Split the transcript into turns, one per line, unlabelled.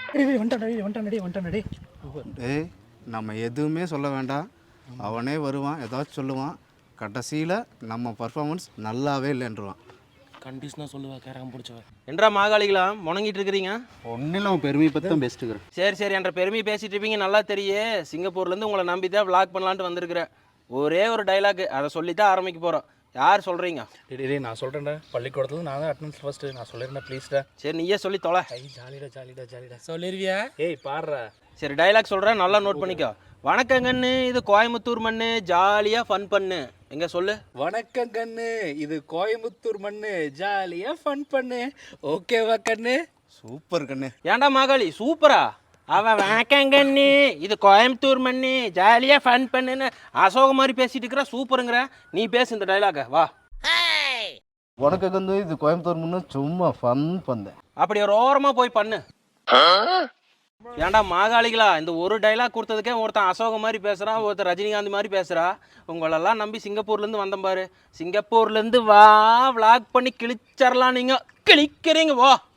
டேய் நம்ம எதுவுமே சொல்ல வேண்டாம், அவனே வருவான், ஏதாச்சும் சொல்லுவான். கடைசியில் நம்ம பர்ஃபார்மன்ஸ் நல்லாவே இல்லைன்றான்.
கண்டிஷனாக சொல்லுவா கேரம் பிடிச்சவன்.
என்றா மாகாளிகளா முணங்கிட்டு இருக்கிறீங்க?
ஒன்றும் இல்லை, பெருமையை பற்றி தான் பேசிட்டுக்கிறேன்.
சரி என்ற பெருமையை பேசிட்டு இருப்பீங்க, நல்லா தெரியே. சிங்கப்பூர்லேருந்து உங்களை நம்பி தான் விளாக் பண்ணலான்ட்டு வந்திருக்கிறேன். ஒரே ஒரு டைலாக், அதை சொல்லித்தான் ஆரம்பிக்க போகிறோம். யார் சொல்கிறீங்க?
டேய் நான் சொல்கிறேன்டா, பள்ளிக்கூடத்துல நான் தான் அட்டனன்ஸ் ஃபர்ஸ்ட்டு. நான் சொல்லியிருந்தேன் ப்ளீஸ்டா.
சரி நீயே சொல்லி தொலை.
ஜாலிடா சொல்லிருவியா? ஏய் பாடுறா.
சரி டைலாக் சொல்கிறேன், நல்லா நோட் பண்ணிக்கோ. வணக்கங்கண்ணு, இது கோயம்புத்தூர் மண்ணு, ஜாலியாக ஃபன் பண்ணு. எங்கே சொல்லு.
வணக்கம் கண்ணு, இது கோயம்புத்தூர் மண்ணு, ஜாலியா ஃபன் பண்ணு. ஓகேவா கண்ணு?
சூப்பர் கண்ணு.
ஏன்டா மாகாளி சூப்பரா? அவன் வணக்கங்கண்ணு, இது கோயம்புத்தூர் மண்ணு, ஜாலியாக ஃபன் பண்ணுன்னு அசோக மாதிரி பேசிட்டு இருக்கிற. சூப்பருங்கிற. நீ பேசு இந்த டைலாக, வா.
உனக்கு வந்து இது கோயம்புத்தூர் முன்னு சும்மா ஃபன் பண்ணேன்.
அப்படி ஒரு ஓரமாக போய் பண்ணு. ஏன்டா மாகாளிகளா, இந்த ஒரு டைலாக் கொடுத்ததுக்கே ஒருத்தன் அசோக மாதிரி பேசுகிறான், ஒருத்தர் ரஜினிகாந்த் மாதிரி பேசுகிறா. உங்களெல்லாம் நம்பி சிங்கப்பூர்லேருந்து வந்தேன் பாரு. சிங்கப்பூர்லேருந்து வா, விளாக் பண்ணி கிழிச்சரலாம். நீங்கள் கிழிக்கிறீங்க, வா.